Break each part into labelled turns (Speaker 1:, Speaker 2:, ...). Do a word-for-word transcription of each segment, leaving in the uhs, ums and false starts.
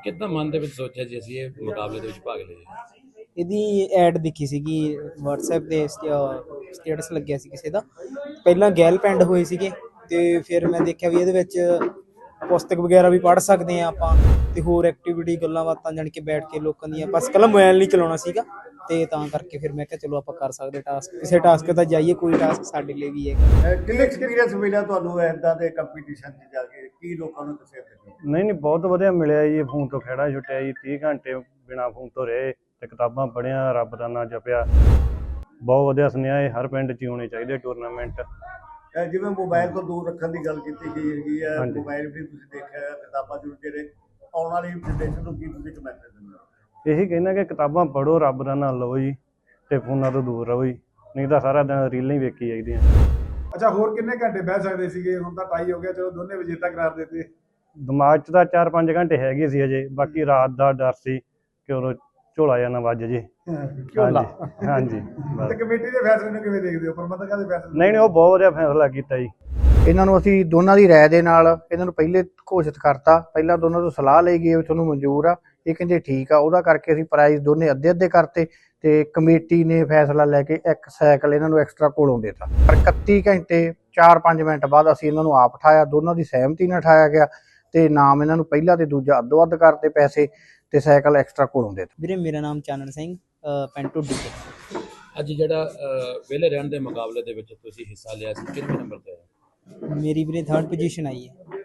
Speaker 1: ਕਿੱਦਾਂ ਮਨ ਦੇ ਵਿੱਚ ਸੋਚਿਆ ਜੀ ਅਸੀਂ ਇਹ ਮੁਕਾਬਲੇ ਦੇ ਵਿੱਚ ਭਾਗ ਲਈਏ?
Speaker 2: ਇਹਦੀ ਐਡ ਦਿਖੀ ਸੀਗੀ WhatsApp ਤੇ ਸਟੇਟਸ ਲੱਗਿਆ ਸੀ ਕਿਸੇ ਦਾ। ਪਹਿਲਾਂ ਗੈਲ ਪਿੰਡ ਹੋਏ ਸੀਗੇ ਤੇ ਫਿਰ ਮੈਂ ਦੇਖਿਆ ਵੀ ਇਹਦੇ ਵਿੱਚ ਪੁਸਤਕ ਵਗੈਰਾ ਵੀ ਪੜ੍ਹ ਸਕਦੇ ਆ ਆਪਾਂ ਤੇ ਹੋਰ ਐਕਟੀਵਿਟੀ ਗੱਲਾਂ ਬਾਤਾਂ ਜਾਣ ਕੇ ਬੈਠ ਕੇ ਲੋਕਾਂ ਦੀਆਂ, ਬਸ ਕੱਲਾ ਮੋਬਾਈਲ ਨਹੀਂ ਚਲਾਉਣਾ ਸੀਗਾ ਤੇ ਤਾਂ ਕਰਕੇ ਫਿਰ ਮੈਂ ਕਿਹਾ ਚਲੋ ਆਪਾਂ ਕਰ ਸਕਦੇ ਟਾਸਕ, ਕਿਸੇ ਟਾਸਕ ਤਾਂ ਜਾਈਏ, ਕੋਈ ਟਾਸਕ ਸਾਡੇ ਲਈ ਵੀ ਹੈ।
Speaker 3: ਕਿੰਨੇ ਐਕਸਪੀਰੀਅੰਸ ਮਿਲਿਆ ਤੁਹਾਨੂੰ ਇਦਾਂ ਦੇ ਕੰਪੀਟੀਸ਼ਨ 'ਚ ਜਾ ਕੇ? ਕੀ ਲੋਕਾਂ ਨੂੰ ਦੱਸਿਆ ਤੁਸੀਂ?
Speaker 4: ਨਹੀਂ ਨਹੀਂ ਬਹੁਤ ਵਧੀਆ ਮਿਲਿਆ ਜੀ। ਫੋਨ ਤੋਂ ਖੇੜਾ ਛੁੱਟਿਆ ਜੀ, ਤੀਹ ਘੰਟੇ ਬਿਨਾਂ ਫੋਨ ਤੋਂ ਰਹੇ ਤੇ ਕਿਤਾਬਾਂ ਪੜ੍ਹੀਆਂ, ਰੱਬ ਦਾ ਨਾਂ ਜਪਿਆ। ਬਹੁਤ ਵਧੀਆ ਸੁਨੇਹਾ ਇਹ ਹਰ ਪਿੰਡ 'ਚ ਹੀ ਹੋਣੇ ਚਾਹੀਦੇ ਟੂਰਨਾਮੈਂਟ।
Speaker 3: ਜਿਵੇਂ ਮੋਬਾਈਲ ਤੋਂ ਦੂਰ ਰੱਖਣ ਦੀ ਗੱਲ ਕੀਤੀ ਗਈ ਹੈਗੀ ਹੈ, ਮੋਬਾਈਲ ਵੀ ਤੁਸੀਂ ਦੇਖਿਆ, ਕਿਤਾਬਾਂ ਜ਼ਰੂਰ, ਜਿਹੜੇ ਆਉਣ ਵਾਲੀ ਜਨਰੇਸ਼ਨ ਨੂੰ ਕੀ ਤੁਸੀਂ ਇੱਕ ਮੈਸੇਜ ਦਿੰਦੇ ਹੋ?
Speaker 4: ਇਹੀ ਕਹਿੰਦਾ ਕਿ ਕਿਤਾਬਾਂ ਪੜ੍ਹੋ, ਰੱਬ ਦਾ ਨਾਂ ਲਓ ਜੀ ਤੇ ਫੋਨਾਂ ਤੋਂ ਦੂਰ ਰਹੋ ਜੀ, ਨਹੀਂ ਤਾਂ ਸਾਰਾ ਦਿਨ ਰੀਲਾਂ ਹੀ ਵੇਖੀ ਜਾਈਦੀਆਂ।
Speaker 5: ਅੱਛਾ, ਹੋਰ ਕਿੰਨੇ ਘੰਟੇ ਬਹਿ ਸਕਦੇ ਸੀਗੇ? ਹੁਣ ਤਾਂ ਟਾਈ ਹੋ ਗਿਆ, ਚਲੋ ਦੋਨੇ ਵਿਜੇਤਾ ਕਰਾਰ ਦਿੱਤੇ।
Speaker 4: ਦਿਮਾਗ 'ਚ ਤਾਂ ਚਾਰ ਪੰਜ ਘੰਟੇ ਹੈਗੇ ਸੀ ਅਜੇ, ਬਾਕੀ ਰਾਤ ਦਾ ਡਰ ਸੀ ਕਿ ਉਦੋਂ ਝੋਲਾ ਜਾਂ ਨਾ ਵੱਜ ਜੇ। ਹਾਂਜੀ ਹਾਂਜੀ।
Speaker 5: ਤੇ ਕਮੇਟੀ ਦੇ ਫੈਸਲੇ ਨੂੰ ਕਿਵੇਂ ਦੇਖਦੇ ਹੋ? ਪ੍ਰਬੰਧਕਾਂ ਦੇ ਫੈਸਲੇ?
Speaker 4: ਨਹੀਂ ਨਹੀਂ, ਉਹ ਬਹੁਤ ਵਧੀਆ ਫੈਸਲਾ ਕੀਤਾ ਜੀ।
Speaker 6: ਇਹਨਾਂ ਨੂੰ ਅਸੀਂ ਦੋਨਾਂ ਦੀ ਰਾਏ ਦੇ ਨਾਲ ਇਹਨਾਂ ਨੂੰ ਪਹਿਲੇ ਘੋਸ਼ਿਤ ਕਰਤਾ। ਪਹਿਲਾਂ ਦੋਨਾਂ ਤੋਂ ਸਲਾਹ ਲਈ ਗਈ ਵੀ ਤੁਹਾਨੂੰ ਮਨਜ਼ੂਰ ਆ, ਇਹ ਕਹਿੰਦੇ ਠੀਕ ਆ। ਉਹਦਾ ਕਰਕੇ ਅਸੀਂ ਪ੍ਰਾਈਜ਼ ਦੋਨੇ ਅੱਧੇ ਅੱਧੇ ਕਰਤੇ ਤੇ ਕਮੇਟੀ ਨੇ ਫੈਸਲਾ ਲੈ ਕੇ ਇੱਕ ਸਾਈਕਲ ਇਹਨਾਂ ਨੂੰ ਐਕਸਟਰਾ ਕੋਲੋਂ ਦੇਤਾ। ਪਰ ਇਕੱਤੀ ਘੰਟੇ ਚਾਰ ਪੰਜ ਮਿੰਟ ਬਾਅਦ ਅਸੀਂ ਇਹਨਾਂ ਨੂੰ ਆਪ ਉਠਾਇਆ, ਦੋਨਾਂ ਦੀ ਸਹਿਮਤੀ ਨਾਲ ਉਠਾਇਆ ਗਿਆ ਤੇ ਨਾਮ ਇਹਨਾਂ ਨੂੰ ਪਹਿਲਾ ਤੇ ਦੂਜਾ ਅੱਧੋ ਅੱਧ ਕਰਤੇ ਪੈਸੇ ਤੇ ਸਾਈਕਲ ਐਕਸਟਰਾ ਕੋਲੋਂ ਦੇਤਾ।
Speaker 2: ਵੀਰੇ ਮੇਰਾ ਨਾਮ ਚਾਨਣ ਸਿੰਘ, ਪਿੰਡ ਢੁੱਡੀ।
Speaker 1: ਅੱਜ ਜਿਹੜਾ ਵਿਹਲੇ ਰਹਿਣ ਦੇ ਮੁਕਾਬਲੇ ਦੇ ਵਿੱਚ ਤੁਸੀਂ ਹਿੱਸਾ ਲਿਆ ਸੀ, ਕਿੰਨੇ ਨੰਬਰ ਤੇ ਆਏ?
Speaker 2: ਮੇਰੀ ਵੀਰੇ ਥਰਡ ਪੋਜੀਸ਼ਨ ਆਈ ਹੈ।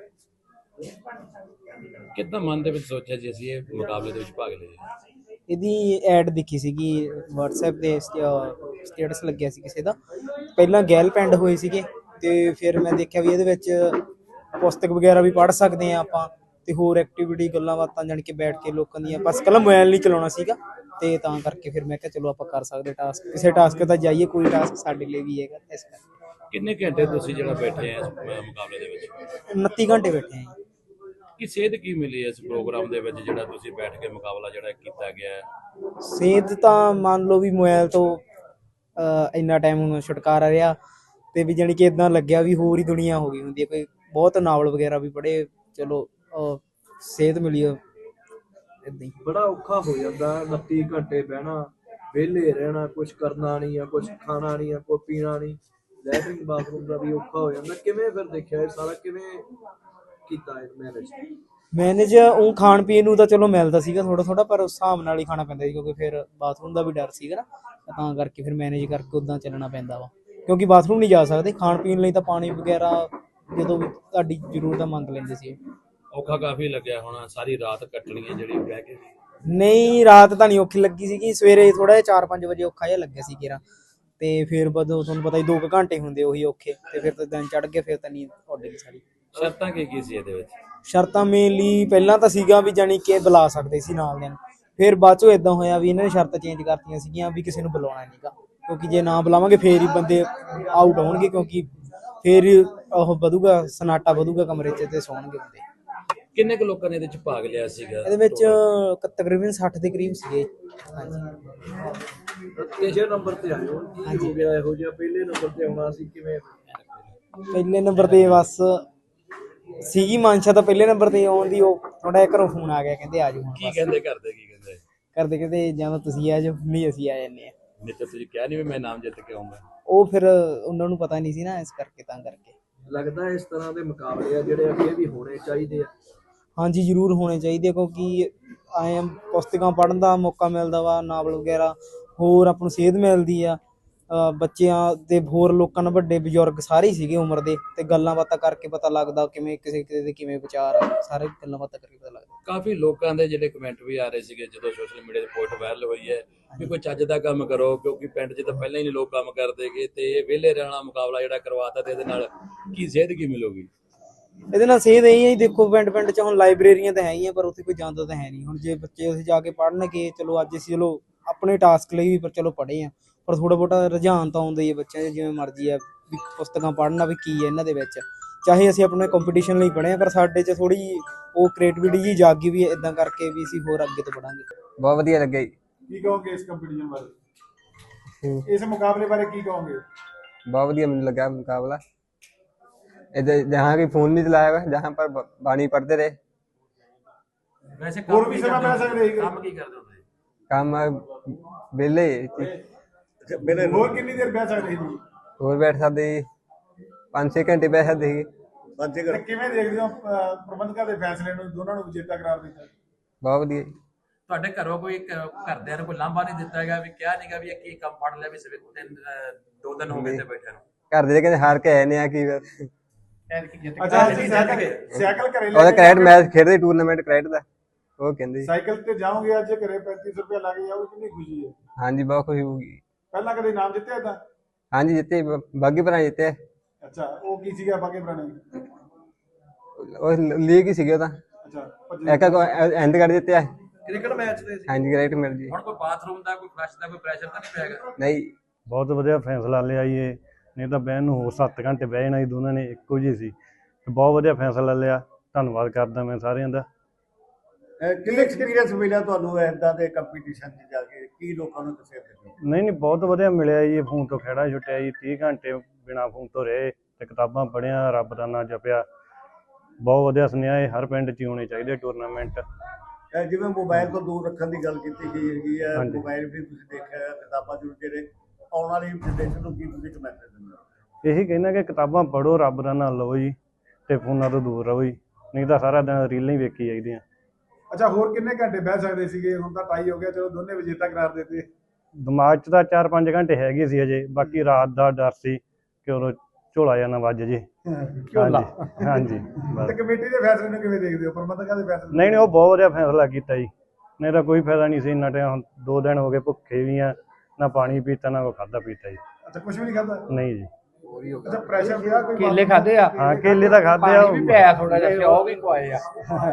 Speaker 1: ਕਿੱਦਾਂ ਮਨ ਦੇ ਵਿੱਚ ਸੋਚਿਆ ਜੀ ਅਸੀਂ ਇਹ ਮੁਕਾਬਲੇ ਦੇ ਵਿੱਚ ਭਾਗ ਲਈਏ?
Speaker 2: ਇਹਦੀ ਐਡ ਦਿਖੀ ਸੀਗੀ WhatsApp ਤੇ ਸਟੇਟਸ ਲੱਗਿਆ ਸੀ ਕਿਸੇ ਦਾ। ਪਹਿਲਾਂ ਗੈਲ ਪਿੰਡ ਹੋਏ ਸੀਗੇ ਤੇ ਫਿਰ ਮੈਂ ਦੇਖਿਆ ਵੀ ਇਹਦੇ ਵਿੱਚ ਪੁਸਤਕ ਵਗੈਰਾ ਵੀ ਪੜ੍ਹ ਸਕਦੇ ਆ ਆਪਾਂ ਤੇ ਹੋਰ ਐਕਟੀਵਿਟੀ ਗੱਲਾਂ ਬਾਤਾਂ ਜਾਣ ਕੇ ਬੈਠ ਕੇ ਲੋਕਾਂ ਦੀਆਂ, ਬਸ ਕੱਲਾ ਮੋਬਾਈਲ ਨਹੀਂ ਚਲਾਉਣਾ ਸੀਗਾ ਤੇ ਤਾਂ ਕਰਕੇ ਫਿਰ ਮੈਂ ਕਿਹਾ ਚਲੋ ਆਪਾਂ ਕਰ ਸਕਦੇ ਟਾਸਕ, ਕਿਸੇ ਟਾਸਕ ਤਾਂ ਜਾਈਏ, ਕੋਈ ਟਾਸਕ ਸਾਡੇ ਲਈ ਵੀ ਹੈਗਾ। ਇਸ ਕਰਕੇ
Speaker 1: ਕਿੰਨੇ ਘੰਟੇ ਤੁਸੀਂ ਜਿਹੜਾ ਬੈਠੇ ਆ ਇਸ ਮੁਕਾਬਲੇ ਦੇ ਵਿੱਚ?
Speaker 2: ਉਨੱਤੀ ਘੰਟੇ ਬੈਠੇ ਆ।
Speaker 1: ਕੀ ਸੇਧ ਕੀ ਮਿਲੀ ਇਸ ਪ੍ਰੋਗਰਾਮ ਦੇ ਵਿੱਚ ਜਿਹੜਾ ਤੁਸੀਂ ਬੈਠ ਕੇ ਮੁਕਾਬਲਾ ਜਿਹੜਾ ਕੀਤਾ ਗਿਆ ਹੈ?
Speaker 2: ਸੇਧ ਤਾਂ ਮੰਨ ਲਓ ਵੀ ਮੋਬਾਈਲ ਤੋਂ ਇੰਨਾ ਟਾਈਮ ਹੁਣ ਛੁਟਕਾਰਾ ਰਿਹਾ ਤੇ ਵੀ ਜਾਣੀ ਕਿ ਇਦਾਂ ਲੱਗਿਆ ਵੀ ਹੋਰ ਹੀ ਦੁਨੀਆ ਹੋ ਗਈ ਹੁੰਦੀ ਹੈ। ਕੋਈ ਬਹੁਤ ਨਾਵਲ ਵਗੈਰਾ ਵੀ ਪੜ੍ਹੇ, ਚਲੋ ਸੇਧ ਮਿਲੀ ਏਦਾਂ ਹੀ।
Speaker 7: ਬੜਾ ਔਖਾ ਹੋ ਜਾਂਦਾ ਉਨੱਤੀ ਘੰਟੇ ਬਹਿਣਾ, ਵਿਹਲੇ ਰਹਿਣਾ, ਕੁਛ ਕਰਨਾ ਨਹੀਂ ਆ, ਕੁਛ ਖਾਣਾ ਨਹੀਂ ਆ, ਕੋਈ ਪੀਣਾ ਨਹੀਂ, ਲੈਟਰਿੰਗ ਬਾਥਰੂਮ ਦਾ ਵੀ ਔਖਾ ਹੋ ਜਾਂਦਾ। ਕਿਵੇਂ ਫਿਰ ਦੇਖਿਆ ਇਹ ਸਾਰਾ, ਕਿਵੇਂ ਕੀਤਾ ਇਹ ਮੈਨੇਜ?
Speaker 2: ਮੈਨੇਜ ਉਹ ਖਾਣ ਪੀਣ ਨੂੰ ਤਾਂ ਚਲੋ ਮਿਲਦਾ ਸੀਗਾ ਥੋੜਾ ਥੋੜਾ, ਪਰ ਉਸ ਹਿਸਾਬ ਨਾਲ ਹੀ ਖਾਣਾ ਪੈਂਦਾ ਸੀ ਕਿਉਂਕਿ ਫਿਰ ਬਾਥਰੂਮ ਦਾ ਵੀ ਡਰ ਸੀਗਾ ਨਾ, ਤਾਂ ਕਰਕੇ ਫਿਰ ਮੈਨੇਜ ਕਰਕੇ ਉੱਦਾਂ ਚੱਲਣਾ ਪੈਂਦਾ ਵਾ, ਕਿਉਂਕਿ ਬਾਥਰੂਮ ਨਹੀਂ ਜਾ ਸਕਦੇ। ਖਾਣ ਪੀਣ ਲਈ ਤਾਂ ਪਾਣੀ ਵਗੈਰਾ ਜਦੋਂ ਵੀ ਤੁਹਾਡੀ ਜ਼ਰੂਰਤ ਮੰਗ ਲੈਂਦੇ ਸੀ।
Speaker 1: ਔਖਾ ਕਾਫੀ ਲੱਗਿਆ ਹੋਣਾ, ਸਾਰੀ ਰਾਤ ਕੱਟਣੀ ਹੈ ਜਿਹੜੀ ਬਹਿ ਕੇ?
Speaker 2: ਨਹੀਂ, ਰਾਤ ਤਾਂ ਨਹੀਂ ਔਖੀ ਲੱਗੀ ਸੀਗੀ, ਸਵੇਰੇ ਥੋੜਾ ਜਿਹਾ ਚਾਰ ਪੰਜ ਵਜੇ ਔਖਾ ਜਿਹਾ ਲੱਗਿਆ ਸੀ ਕਿਰਾ, ਤੇ ਫਿਰ ਬਦੋਂ ਤੁਹਾਨੂੰ ਪਤਾ ਹੀ ਦੋ ਕੁ ਘੰਟੇ ਹੁੰਦੇ ਉਹੀ ਔਖੇ, ਤੇ ਫਿਰ ਤਾਂ ਦਿਨ ਚੜ੍ਹ ਕੇ ਫਿਰ ਤਾਂ ਨੀਂਦ ਉੱਡ ਗਈ ਸਾਰੀ।
Speaker 1: ਸ਼ਰਤਾਂ ਕੀ ਕੀ ਸੀ ਇਹਦੇ ਵਿੱਚ?
Speaker 2: ਸ਼ਰਤਾਂ ਮੇਨਲੀ ਪਹਿਲਾਂ ਤਾਂ ਸੀਗਾ ਵੀ ਜਾਣੀ ਕਿ ਬੁਲਾ ਸਕਦੇ ਸੀ ਨਾਲ ਦਿਨ, ਫਿਰ ਬਾਅਦ ਚੋਂ ਇਦਾਂ ਹੋਇਆ ਵੀ ਇਹਨਾਂ ਨੇ ਸ਼ਰਤਾਂ ਚੇਂਜ ਕਰਤੀਆਂ ਸੀਗੀਆਂ ਵੀ ਕਿਸੇ ਨੂੰ ਬੁਲਾਉਣਾ ਨਹੀਂਗਾ, ਕਿਉਂਕਿ ਜੇ ਨਾ ਬੁਲਾਵਾਂਗੇ ਫੇਰ ਹੀ ਬੰਦੇ ਆਊਟ ਹੋਣਗੇ, ਕਿਉਂਕਿ ਫੇਰ ਉਹ ਵਧੂਗਾ, ਸਨਾਟਾ ਵਧੂਗਾ ਕਮਰੇ 'ਚ ਤੇ ਸੌਣਗੇ ਬੰਦੇ।
Speaker 1: ਕਿੰਨੇ ਕੁ ਲੋਕਾਂ ਨੇ ਇਹਦੇ 'ਚ ਭਾਗ ਲਿਆ ਸੀਗਾ?
Speaker 2: ਇਹਦੇ ਵਿੱਚ ਤਕਰੀਬਨ ਸੱਠ ਦੇ ਕਰੀਬ ਸੀਗੇ। ਹਾਂਜੀ,
Speaker 7: ਤੀਜੇ ਨੰਬਰ ਤੇ ਆਏ ਹੋ, ਕੀ ਹੋ ਗਿਆ ਇਹੋ ਜਿਹਾ? ਪਹਿਲੇ ਨੰਬਰ ਤੇ ਆਉਣਾ ਸੀ, ਕਿਵੇਂ?
Speaker 2: ਪਹਿਲੇ ਨੰਬਰ ਤੇ ਬਸ ਸੀਗੀ ਮਨਸ਼ਾ ਤਾਂ ਪਹਿਲੇ ਨੰਬਰ ਤੇ ਆਉਣ ਦੀ, ਉਹ ਥੋੜਾ ਜਿਹਾ ਘਰੋਂ ਫੋਨ ਆ ਗਿਆ, ਕਹਿੰਦੇ ਆ ਜਾਓ।
Speaker 1: ਕੀ ਕਹਿੰਦੇ ਕਰਦੇ? ਕੀ ਕਹਿੰਦੇ
Speaker 2: ਕਰਦੇ ਕਹਿੰਦੇ ਜਾਂ ਤਾਂ ਤੁਸੀਂ ਆ ਜਾਓ, ਨਹੀਂ ਅਸੀਂ ਆ ਜਾਂਦੇ ਹਾਂ।
Speaker 1: ਨਹੀਂ ਤਾਂ ਤੁਸੀਂ ਕਿਹਾ ਨਹੀਂ ਵੀ ਮੈਂ ਨਾਮ ਜਿੱਤ ਕੇ ਆਉਂਗਾ?
Speaker 2: ਉਹ ਫਿਰ ਉਹਨਾਂ ਨੂੰ ਪਤਾ ਨਹੀਂ ਸੀ ਨਾ, ਇਸ ਕਰਕੇ ਤਾਂ ਕਰਕੇ
Speaker 7: ਲੱਗਦਾ ਇਸ ਤਰ੍ਹਾਂ ਦੇ ਮੁਕਾਬਲੇ ਆ ਜਿਹੜੇ ਅੱਗੇ ਵੀ ਹੋਣੇ ਚਾਹੀਦੇ ਆ।
Speaker 2: ਹਾਂਜੀ, ਜ਼ਰੂਰ ਹੋਣੇ ਚਾਹੀਦੇ, ਕਿਉਂਕਿ ਆਏ ਪੁਸਤਕਾਂ ਪੜ੍ਹਨ ਦਾ ਮੌਕਾ ਮਿਲਦਾ ਵਾ, ਨਾਵਲ ਵਗੈਰਾ, ਹੋਰ ਆਪਾਂ ਨੂੰ ਸੇਧ ਮਿਲਦੀ ਆ। ਬੱਚਿਆਂ ਦੇ ਹੋਰ ਲੋਕਾਂ ਨਾਲ, ਵੱਡੇ ਬਜ਼ੁਰਗ ਸਾਰੇ ਹੀ ਸੀਗੇ ਉਮਰ ਦੇ, ਤੇ ਗੱਲਾਂ ਬਾਤਾਂ ਕਰਕੇ ਪਤਾ ਲੱਗਦਾ ਕਿਵੇਂ ਕਿਸੇ ਕਿਸੇ ਦੇ ਕਿਵੇਂ ਵਿਚਾਰ ਆ, ਸਾਰੇ ਗੱਲਾਂ ਬਾਤਾਂ ਕਰਕੇ ਪਤਾ ਲੱਗਦਾ।
Speaker 1: ਕਾਫੀ ਲੋਕਾਂ ਦੇ ਜਿਹੜੇ ਕਮੈਂਟ ਵੀ ਆ ਰਹੇ ਸੀਗੇ ਜਦੋਂ ਸੋਸ਼ਲ ਮੀਡੀਆ ਤੇ ਪੋਸਟ ਵਾਇਰਲ ਹੋਈ ਹੈ ਵੀ ਕੋਈ ਚੱਜ ਦਾ ਕੰਮ ਕਰੋ, ਕਿਉਂਕਿ ਪਿੰਡ 'ਚ ਤਾਂ ਪਹਿਲਾਂ ਹੀ ਨਹੀਂ ਲੋਕ ਕੰਮ ਕਰਦੇਗੇ, ਤੇ ਇਹ ਵਿਹਲੇ ਰਹਿਣਾ ਮੁਕਾਬਲਾ ਜਿਹੜਾ ਕਰਵਾਤਾ, ਤੇ ਇਹਦੇ ਨਾਲ ਕੀ ਸੇਧ ਕੀ ਮਿਲੂਗੀ?
Speaker 2: ਇਹਦੇ ਨਾਲ ਸੇਧ ਇਹੀ ਹੈ, ਦੇਖੋ ਪਿੰਡ ਪਿੰਡ 'ਚ ਹੁਣ ਲਾਇਬ੍ਰੇਰੀਆਂ ਤਾਂ ਹੈਗੀਆਂ, ਪਰ ਉੱਥੇ ਕੋਈ ਜਾਂਦਾ ਤਾਂ ਹੈ ਨਹੀਂ। ਹੁਣ ਜੇ ਬੱਚੇ ਉੱਥੇ ਜਾ ਕੇ ਪੜ੍ਹਨਗੇ, ਚਲੋ ਅੱਜ ਅਸੀਂ ਚਲੋ ਆਪਣੇ ਟਾਸਕ ਲਈ ਵੀ ਪਰ ਚਲੋ ਪੜ੍ਹੇ ਆ, ਪਰ ਥੋੜਾ ਬਹੁਤਾ ਰੁਝਾਨ ਤਾਂ ਆਉਂਦਾ ਹੀ ਹੈ ਬੱਚਿਆਂ 'ਚ, ਜਿਵੇਂ ਮਰਜ਼ੀ ਆ ਵੀ ਪੁਸਤਕਾਂ ਪੜ੍ਹਨਾ ਵੀ ਕੀ ਹੈ ਇਹਨਾਂ ਦੇ ਵਿੱਚ, ਚਾਹੇ ਅਸੀਂ ਆਪਣੇ ਕੰਪੀਟੀਸ਼ਨ ਲਈ ਪੜ੍ਹੇ ਆ, ਪਰ ਸਾਡੇ 'ਚ ਥੋੜ੍ਹੀ ਉਹ ਕ੍ਰੀਏਟੀਵਿਟੀ ਜੀ ਜਾਗੀ ਵੀ ਇੱਦਾਂ ਕਰਕੇ ਵੀ ਅਸੀਂ ਹੋਰ ਅੱਗੇ ਤੋਂ ਪੜ੍ਹਾਂਗੇ।
Speaker 6: ਬਹੁਤ ਵਧੀਆ ਲੱਗਿਆ ਜੀ।
Speaker 5: ਕੀ ਕਹੋਗੇ ਇਸ ਕੰਪੀਟੀਸ਼ਨ ਬਾਰੇ, ਇਸ ਮੁਕਾਬਲੇ ਬਾਰੇ ਕੀ ਕਹੋਗੇ?
Speaker 6: बहुत बढ़िया मुझे लगा मुकाबला। इधर जहाँ भी फोन नहीं चलाया हुआ, जहाँ पर बानी पढ़ते रहे।
Speaker 1: ਵੈਸੇ
Speaker 5: ਹੋਰ
Speaker 1: ਕੰਮ
Speaker 5: ਵੀ
Speaker 1: ਕੀ
Speaker 5: ਸਮਾਂ
Speaker 1: ਕਰਦੇ
Speaker 5: ਪੈ
Speaker 1: ਹੋ?
Speaker 5: ਸਕਦੇ ਸੀਗੇ।
Speaker 1: ਕੰਮ ਕੀ ਕਰਦੇ ਹੋ ਤੁਸੀਂ?
Speaker 8: ਕੰਮ ਵਿਹਲੇ
Speaker 3: ਮੇਰੇ
Speaker 5: ਹੋਰ ਕਿੰਨੀ ਦੇਰ ਬਹਿ ਸਕਦੇ ਸੀ ਜੀ?
Speaker 8: ਹੋਰ ਬੈਠ ਸਕਦੇ ਜੀ ਪੰਜ ਛੇ ਘੰਟੇ ਬਹਿ ਸਕਦੇ ਸੀ
Speaker 3: ਬੱਚੇ
Speaker 5: ਤੇ ਕਿਵੇਂ ਦੇਖਦੇ ਹੋ ਅਹ, ਪ੍ਰਬੰਧਕਾਂ ਦੇ ਫੈਸਲੇ ਨੂੰ ਦੋਨਾਂ ਨੂੰ ਵਿਜੇਤਾ ਕਰਾਰ ਦਿੱਤਾ?
Speaker 8: ਬਹੁਤ ਵਧੀਆ ਜੀ।
Speaker 1: ਤੁਹਾਡੇ ਘਰੋਂ ਕੋਈ ਕ- ਘਰਦਿਆਂ ਨੂੰ ਕੋਈ ਲਾਂਭਾ ਨਹੀਂ ਦਿੱਤਾ ਹੈਗਾ ਵੀ ਕਿਹਾ ਨਹੀਂਗਾ ਵੀ ਇਹ ਕੀ ਕੰਮ ਫੜ ਲਿਆ ਵੀ ਸਵੇਰ ਤਿੰਨ ਅਹ, ਦੋ ਦਿਨ ਹੋ ਗਏ ਤੇ ਬੈਠੇ ਨੂੰ?
Speaker 8: ਘਰ ਦੇ ਕਹਿੰਦੇ ਹਾਰ ਕੇ ਆਏ ਨੇ ਆ ਕੀ ਫਿਰ
Speaker 5: ਅੱਛਾ ਅਸੀਂ ਸਾਈਕਲ ਸਾਈਕਲ ਘਰੇ ਲੈ
Speaker 8: ਉਹਦਾ
Speaker 5: ਕੇ
Speaker 8: ਕ੍ਰਿਕਟ
Speaker 5: ਜਾਓਗੇ?
Speaker 8: ਮੈਚ ਖੇਡਦੇ ਟੂਰਨਾਮੈਂਟ ਕ੍ਰਿਕਟ ਦਾ ਉਹ ਕਹਿੰਦੇ ਜੀ।
Speaker 5: ਸਾਈਕਲ ਤੇ ਜਾਓਗੇ ਅੱਜ ਘਰੇ ਪੈਂਤੀ ਸੌ ਰੁਪਏ ਲੱਗ ਜਾਓਗੇ, ਕਿੰਨੀ ਖੁਸ਼ੀ ਹੈ।
Speaker 8: ਹਾਂਜੀ ਬਹੁਤ ਖੁਸ਼ੀ ਹੋਊਗੀ।
Speaker 5: ਪਹਿਲਾਂ ਕਦੇ ਇਨਾਮ ਜਿੱਤਿਆ ਤਾਂ?
Speaker 8: ਹਾਂਜੀ ਜਿੱਤੇ ਬ- ਬਾਗੀ ਭਰਾ ਜਿੱਤੇ
Speaker 5: ਅੱਛਾ ਉਹ ਕੀ ਸੀਗਾ ਬਾਕੀ ਪੁਰਾਣੇ?
Speaker 8: ਉਹ ਲੀਗ ਹੀ ਸੀਗੇ ਉਹ ਤਾਂ
Speaker 5: ਅੱਛਾ ਭੱਜ-
Speaker 8: ਇੱਕ ਐਂਡ ਕਰ ਦਿੱਤੇ
Speaker 7: ਕ੍ਰਿਕਟ ਮੈਚ ਦੇ ਸੀ।
Speaker 8: ਹਾਂਜੀ ਕ੍ਰਿਕਟ ਮਿਲ ਜੀ।
Speaker 1: ਹੁਣ ਕੋਈ ਬਾਥਰੂਮ ਦਾ ਕੋਈ ਫਲਸ਼ ਦਾ ਕੋਈ ਪ੍ਰੈਸ਼ਰ ਤਾਂ ਨਹੀਂ ਪਿਆਗਾ?
Speaker 8: ਨਹੀਂ
Speaker 4: ਬਹੁਤ ਵਧੀਆ ਫੈਸਲਾ ਲਿਆ ਜੀ ਇਹ, ਨਹੀਂ ਤਾਂ ਬਹਿਣ ਨੂੰ ਹੋਰ ਸੱਤ ਘੰਟੇ ਬਹਿ ਜਾਣਾ ਸੀ, ਦੋਨਾਂ ਨੇ ਇੱਕੋ ਜਿਹੀ ਸੀ ਤੇ ਬਹੁਤ ਵਧੀਆ ਫੈਸਲਾ ਲਿਆ। ਧੰਨਵਾਦ ਕਰਦਾ ਮੈਂ ਸਾਰਿਆਂ ਦਾ।
Speaker 3: ਕਿੰਨੇ ਐਕਸਪੀਰੀਅੰਸ ਮਿਲਿਆ ਤੁਹਾਨੂੰ ਇਦਾਂ ਦੇ ਕੰਪੀਟੀਸ਼ਨ 'ਚ ਜਾ ਕੇ? ਕੀ ਲੋਕਾਂ ਨੂੰ ਦੱਸਿਆ ਤੁਸੀਂ?
Speaker 4: ਨਹੀਂ ਨਹੀਂ ਬਹੁਤ ਵਧੀਆ ਮਿਲਿਆ ਜੀ। ਫੋਨ ਤੋਂ ਖਹਿੜਾ ਛੁੱਟਿਆ ਜੀ, ਤੀਹ ਘੰਟੇ ਬਿਨਾਂ ਫੋਨ ਤੋਂ ਰਹੇ ਤੇ ਕਿਤਾਬਾਂ ਪੜ੍ਹੀਆਂ, ਰੱਬ ਦਾ ਨਾਂ ਜਪਿਆ। ਬਹੁਤ ਵਧੀਆ ਸੁਨੇਹਾ ਇਹ ਹਰ ਪਿੰਡ 'ਚ ਹੀ ਹੋਣੇ ਚਾਹੀਦੇ ਟੂਰਨਾਮੈਂਟ।
Speaker 3: ਇਹ ਜਿਵੇਂ ਮੋਬਾਈਲ ਤੋਂ ਦੂਰ ਰੱਖਣ ਦੀ ਗੱਲ ਕੀਤੀ ਗਈ ਹੈਗੀ ਹੈ,
Speaker 4: ਹਾਂਜੀ।
Speaker 3: ਮੋਬਾਈਲ ਵੀ ਤੁਸੀਂ ਦੇਖਿਆ ਹੈ, ਕਿਤਾਬਾਂ ਜ਼ਰੂਰ ਜਿਹੜੇ ਆਉਣ ਵਾਲੀ ਜਨਰੇਸ਼ਨ ਨੂੰ ਕੀ ਤੁਸੀਂ ਇੱਕ ਮੈਸੇਜ ਦਿੰਦੇ ਹੋ?
Speaker 4: ਇਹੀ ਕਹਿੰਦਾ ਕਿ ਕਿਤਾਬਾਂ ਪੜ੍ਹੋ, ਰੱਬ ਦਾ ਨਾਂ ਲਓ ਜੀ ਤੇ ਫੋਨਾਂ ਤੋਂ ਦੂਰ ਰਹੋ ਜੀ, ਨਹੀਂ ਤਾਂ ਸਾਰਾ ਦਿਨ ਰੀਲਾਂ ਹੀ ਵੇਖੀ ਜਾਈਦੀਆਂ।
Speaker 5: ਅੱਛਾ ਹੋਰ ਕਿੰਨੇ ਘੰਟੇ ਬਹਿ ਸਕਦੇ ਸੀਗੇ? ਹੁਣ ਤਾਂ ਟਾਈ ਹੋ ਗਿਆ, ਚਲੋ ਦੋਨੇ ਵਿਜੇਤਾ ਕਰਾਰ ਦਿੱਤੇ।
Speaker 4: ਦਿਮਾਗ 'ਚ ਤਾਂ ਚਾਰ ਪੰਜ ਘੰਟੇ ਹੈਗੇ ਸੀ ਅਜੇ, ਬਾਕੀ ਰਾਤ ਦਾ ਡਰ ਸੀ ਕਿ ਉਦੋਂ ਝੋਲਾ ਜਾਂ ਨਾ ਵੱਜ ਜੇ।
Speaker 5: ਝੋਲਾ।
Speaker 4: ਹਾਂਜੀ ਹਾਂਜੀ ਬਸ।
Speaker 5: ਤੇ ਕਮੇਟੀ ਦੇ ਫੈਸਲੇ ਨੂੰ ਕਿਵੇਂ ਦੇਖਦੇ ਹੋ? ਪ੍ਰਬੰਧਕਾਂ ਦੇ ਫੈਸਲੇ ਨੂੰ?
Speaker 4: ਨਹੀਂ ਨਹੀਂ ਉਹ ਬਹੁਤ ਵਧੀਆ ਫੈਸਲਾ ਕੀਤਾ ਜੀ, ਨਹੀਂ ਤਾਂ ਕੋਈ ਫਾਇਦਾ ਨਹੀਂ ਸੀ ਇੰਨਾ ਟਾਈਮ। ਹੁਣ ਦੋ ਦਿਨ ਹੋ ਗਏ ਭੁੱਖੇ ਵੀ ਆ, ਨਾ ਪਾਣੀ ਪੀਤਾ ਨਾ ਕੋਈ ਖਾਧਾ ਪੀਤਾ ਜੀ।
Speaker 5: ਅੱਛਾ ਕੁਝ ਵੀ ਨਹੀਂ ਖਾਦਾ?
Speaker 4: ਨਹੀਂ ਜੀ।
Speaker 5: ਅੱਛਾ ਪ੍ਰੈਸ਼ਰ ਪਿਆ ਕੋਈ?
Speaker 2: ਕੇਲੇ ਖਾਦੇ ਆ?
Speaker 4: ਹਾਂ ਕੇਲੇ ਤਾਂ ਖਾਦੇ ਆ,
Speaker 2: ਥੋੜਾ ਜਿਹਾ ਉਹ ਵੀ ਖਵਾਏ ਆ।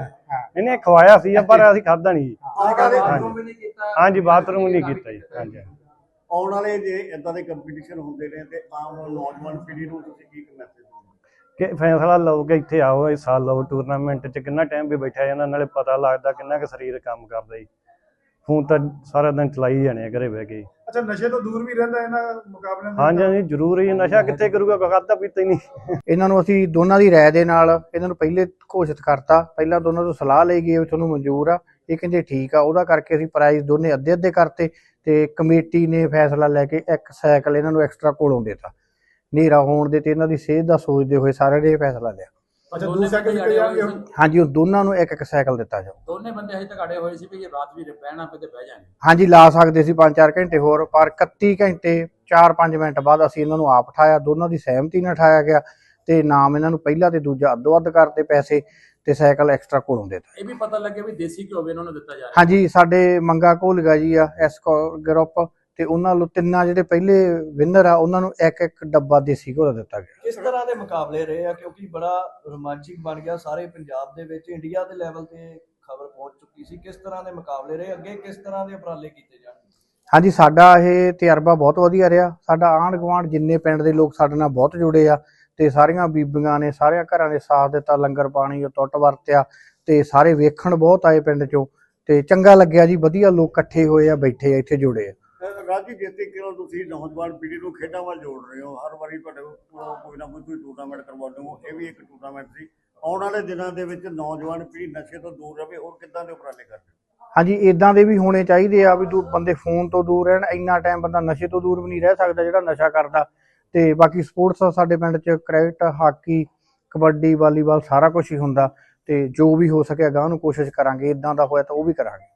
Speaker 4: ਇਹਨੇ ਖਵਾਇਆ ਸੀ ਪਰ ਅਸੀਂ ਖਾਧਾ ਨਹੀਂ ਜੀ।
Speaker 3: ਆਉਣ ਵਾਲੇ
Speaker 7: ਬਾਥਰੂਮ ਵੀ ਨਹੀਂ ਕੀਤਾ।
Speaker 4: ਹਾਂਜੀ ਬਾਥਰੂਮ ਨਹੀਂ ਕੀਤਾ ਜੀ। ਹਾਂਜੀ
Speaker 3: ਆਉਣ ਵਾਲੇ ਜੇ ਇਦਾਂ ਦੇ ਕੰਪੀਟੀਸ਼ਨ ਹੁੰਦੇ ਨੇ ਤੇ ਆਮ ਨੌਜਵਾਨ ਪੀੜ੍ਹੀ ਨੂੰ ਤੁਸੀਂ ਕੀ ਮੈਸੇਜ ਦਿੰਦੇ?
Speaker 4: ਕਿ ਫੈਸਲਾ ਲਓ ਕਿ ਇੱਥੇ ਆਓ, ਹਿੱਸਾ ਲਓ ਟੂਰਨਾਮੈਂਟ 'ਚ। ਕਿੰਨਾ ਟਾਈਮ ਵੀ ਬੈਠਿਆ ਜਾਂਦਾ, ਨਾਲੇ ਪਤਾ ਲੱਗਦਾ ਕਿੰਨਾ ਕੁ ਸਰੀਰ ਕੰਮ ਕਰਦਾ ਜੀ। ਫੋਨ ਤਾਂ ਸਾਰਾ ਦਿਨ ਚਲਾਈ ਜਾਣੇ ਆ ਘਰੇ ਬਹਿ ਕੇ।
Speaker 5: ਅੱਛਾ ਨਸ਼ੇ ਤੋਂ ਦੂਰ ਵੀ ਰਹਿੰਦਾ ਇਹਨਾਂ ਮੁਕਾਬਲਿਆਂ ਦੇ?
Speaker 4: ਹਾਂਜੀ ਹਾਂਜੀ ਜ਼ਰੂਰ ਹੀ। ਨਸ਼ਾ ਕਿੱਥੇ ਕਰੂਗਾ, ਕੋਈ ਖਾਧਾ ਪੀਤਾ ਹੀ ਨਹੀਂ।
Speaker 6: ਇਹਨਾਂ ਨੂੰ ਅਸੀਂ ਦੋਨਾਂ ਦੀ ਰਾਏ ਦੇ ਨਾਲ ਇਹਨਾਂ ਨੂੰ ਪਹਿਲੇ ਘੋਸ਼ਿਤ ਕਰਤਾ। ਪਹਿਲਾਂ ਦੋਨਾਂ ਤੋਂ ਸਲਾਹ ਲਈ ਗਈ ਵੀ ਤੁਹਾਨੂੰ ਮਨਜ਼ੂਰ ਆ, ਇਹ ਕਹਿੰਦੇ ਠੀਕ ਆ। ਉਹਦਾ ਕਰਕੇ ਅਸੀਂ ਪ੍ਰਾਈਜ਼ ਦੋਨੇ ਅੱਧੇ ਅੱਧੇ ਕਰਤੇ ਤੇ ਕਮੇਟੀ ਨੇ ਫੈਸਲਾ ਲੈ ਕੇ ਇੱਕ ਸਾਈਕਲ ਇਹਨਾਂ ਨੂੰ ਐਕਸਟਰਾ ਕੋਲੋਂ ਦੇਤਾ। ਹਨੇਰਾ ਹੋਣ ਦੇ ਤੇ ਇਹਨਾਂ ਦੀ ਸਿਹਤ ਦਾ ਸੋਚਦੇ ਹੋਏ ਸਾਰਿਆਂ ਨੇ ਇਹ ਫੈਸਲਾ ਲਿਆ।
Speaker 5: ਅੱਛਾ ਦੋ ਸਾਈਕਲ ਦਿੱਤੇ ਜਾਣਗੇ ਹੁਣ?
Speaker 6: ਹਾਂਜੀ ਉਹ ਦੋਨਾਂ ਨੂੰ ਇੱਕ ਇੱਕ ਸਾਈਕਲ ਦਿੱਤਾ ਜਾਊ।
Speaker 1: ਦੋਨੇ ਬੰਦੇ ਹਜੇ ਤੱਕ ਅੜੇ ਹੋਏ ਸੀ ਵੀ ਜੇ ਰਾਤ ਵੀ ਬਹਿਣਾ ਪਏ ਤੇ ਬਹਿ ਜਾਣਗੇ।
Speaker 6: ਹਾਂਜੀ ਲਾ ਸਕਦੇ ਸੀ ਪੰਜ ਚਾਰ ਘੰਟੇ ਹੋਰ, ਪਰ ਇਕੱਤੀ ਘੰਟੇ ਚਾਰ ਪੰਜ ਮਿੰਟ ਬਾਅਦ ਅਸੀਂ ਇਹਨਾਂ ਨੂੰ ਆਪ ਉਠਾਇਆ। ਦੋਨਾਂ ਦੀ ਸਹਿਮਤੀ ਨਾਲ ਉਠਾਇਆ ਗਿਆ ਤੇ ਨਾਮ ਇਹਨਾਂ ਨੂੰ ਪਹਿਲਾ ਤੇ ਦੂਜਾ ਅੱਧੋ ਅੱਧ ਕਰਤੇ ਪੈਸੇ ਤੇ ਸਾਈਕਲ ਐਕਸਟਰਾ ਕੋਲੋਂ ਦੇਤਾ।
Speaker 1: ਇਹ ਵੀ ਪਤਾ ਲੱਗਿਆ ਵੀ ਦੇਸੀ ਘਿਓ ਵੀ ਇਹਨਾਂ ਨੂੰ ਦਿੱਤਾ ਜਾ ਰਿਹਾ।
Speaker 6: ਹਾਂਜੀ ਸਾਡੇ ਮੰਗਾ ਘੋਲਗਾ ਜੀ ਆ ਐਸ ਗਰੁੱਪ ਤੇ ਉਹਨਾਂ ਨੂੰ ਤਿੰਨਾਂ ਜਿਹੜੇ ਪਹਿਲੇ ਵਿਨਰ ਆ ਉਹਨਾਂ ਨੂੰ ਇੱਕ ਇੱਕ ਡੱਬਾ ਦੇਸੀ ਘੋਲ ਦਿੱਤਾ ਗਿਆ।
Speaker 7: ਕਿਸ ਤਰ੍ਹਾਂ ਦੇ ਮੁਕਾਬਲੇ ਰਹੇ ਆ? ਕਿਉਂਕਿ ਬੜਾ ਰੋਮਾਂਚਿਕ ਬਣ ਗਿਆ ਸਾਰੇ ਪੰਜਾਬ ਦੇ ਵਿੱਚ, ਇੰਡੀਆ ਦੇ ਲੈਵਲ ਤੇ ਖਬਰ ਪਹੁੰਚ ਚੁੱਕੀ ਸੀ। ਕਿਸ ਤਰ੍ਹਾਂ ਦੇ ਮੁਕਾਬਲੇ ਰਹੇ? ਅੱਗੇ ਕਿਸ ਤਰ੍ਹਾਂ ਦੇ ਉਪਰਾਲੇ ਕੀਤੇ ਜਾਣਗੇ?
Speaker 6: ਹਾਂਜੀ ਸਾਡਾ ਇਹ ਤਜਰਬਾ ਬਹੁਤ ਵਧੀਆ ਰਿਹਾ। ਸਾਡਾ ਆਂਢ ਗੁਆਂਢ ਜਿੰਨੇ ਪਿੰਡ ਦੇ ਲੋਕ ਸਾਡੇ ਨਾਲ ਬਹੁਤ ਜੁੜੇ ਆ ਤੇ ਸਾਰੀਆਂ ਬੀਬੀਆਂ ਨੇ ਸਾਰਿਆਂ ਘਰਾਂ ਦੇ ਸਾਥ ਦਿੱਤਾ। ਲੰਗਰ ਪਾਣੀ ਉਹ ਟੁੱਟ ਵਰਤਿਆ ਤੇ ਸਾਰੇ ਵੇਖਣ ਬਹੁਤ ਆਏ ਪਿੰਡ ਚੋਂ ਤੇ ਚੰਗਾ ਲੱਗਿਆ ਜੀ। ਵਧੀਆ ਲੋਕ ਇਕੱਠੇ ਹੋਏ ਆ, ਬੈਠੇ ਆ, ਇੱਥੇ ਜੁੜੇ ਆ।
Speaker 3: ਰਾਜੀ ਜਿੱਤੇ ਕਿਉਂ ਤੁਸੀਂ ਨੌਜਵਾਨ ਪੀੜ੍ਹੀ ਨੂੰ ਖੇਡਾਂ ਵੱਲ ਜੋੜ ਰਹੇ ਹੋ? ਹਰ ਵਾਰੀ ਤੁਹਾਡੇ ਕੋਲ ਕੋਈ ਨਾ ਕੋਈ ਤੁਸੀਂ ਟੂਰਨਾਮੈਂਟ ਕਰਵਾਉਂਦੇ ਹੋ, ਇਹ ਵੀ ਇੱਕ ਟੂਰਨਾਮੈਂਟ ਸੀ। ਆਉਣ ਵਾਲੇ ਦਿਨਾਂ ਦੇ ਵਿੱਚ ਨੌਜਵਾਨ ਪੀੜ੍ਹੀ ਨਸ਼ੇ ਤੋਂ ਦੂਰ ਰਹੇ, ਹੋਰ ਕਿੱਦਾਂ ਦੇ ਉਪਰਾਲੇ ਕਰਦੇ ਹੋ?
Speaker 6: ਹਾਂਜੀ ਇਦਾਂ ਦੇ ਵੀ ਹੋਣੇ ਚਾਹੀਦੇ ਆ ਵੀ ਦੂ ਬੰਦੇ ਫੋਨ ਤੋਂ ਦੂਰ ਰਹਿਣ। ਇੰਨਾ ਟਾਈਮ ਬੰਦਾ ਨਸ਼ੇ ਤੋਂ ਦੂਰ ਵੀ ਨਹੀਂ ਰਹਿ ਸਕਦਾ ਜਿਹੜਾ ਨਸ਼ਾ ਕਰਦਾ। ਤੇ ਬਾਕੀ ਸਪੋਰਟਸ ਸਾਡੇ ਪਿੰਡ 'ਚ ਕ੍ਰਿਕਟ, ਹਾਕੀ, ਕਬੱਡੀ, ਵਾਲੀਬਾਲ ਸਾਰਾ ਕੁਝ ਹੀ ਹੁੰਦਾ ਤੇ ਜੋ ਵੀ ਹੋ ਸਕਿਆ ਗਾਂ ਨੂੰ ਕੋਸ਼ਿਸ਼ ਕਰਾਂਗੇ। ਇਦਾਂ ਦਾ ਹੋਇਆ ਤਾਂ ਉਹ ਵੀ ਕਰਾਂਗੇ।